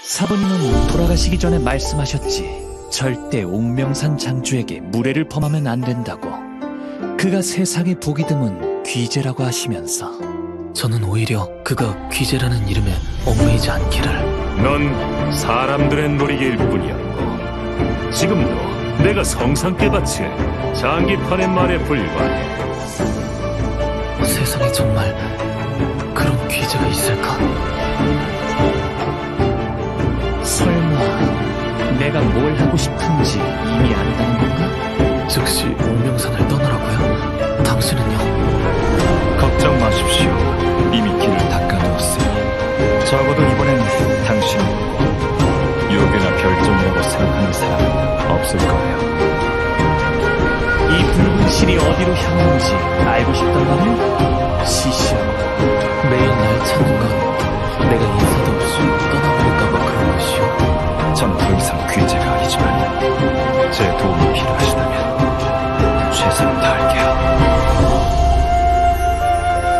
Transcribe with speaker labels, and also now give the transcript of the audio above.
Speaker 1: 사부님은 돌아가시기 전에 말씀하셨지. 절대 옥명산 장주에게 무례를 범하면 안 된다고. 그가 세상에 복이 드문 귀재라고 하시면서.
Speaker 2: 저는 오히려 그가 귀재라는 이름에 얽매이지 않기를.
Speaker 3: 넌 사람들의 놀이개일 뿐이었고 지금도 내가 성상께 바칠 장기판의 말에 불과해.
Speaker 2: 세상에 정말 그런 귀재가 있을까?
Speaker 1: 설마 내가 뭘 하고 싶은지 이미 안다는 건가?
Speaker 2: 즉시 옥명산을 떠나라고요? 당신은요?
Speaker 4: 걱정 마십시오. 이미 길을 닦아두었으니 적어도 이번엔 당신을 믿고 유괴나 별종이라고 생각하는 사람은 없을 거예요.
Speaker 1: 이 붉은 실이 어디로 향하는지 알고 싶단 말이야? 시시하고.
Speaker 2: 매일 날 찾는 건 내가 인사도 없이 떠나버릴까봐 그런 것이요.
Speaker 4: 전 더 이상 귀재가 아니지만 제 도움이 필요하시다면 최선을 다할게요.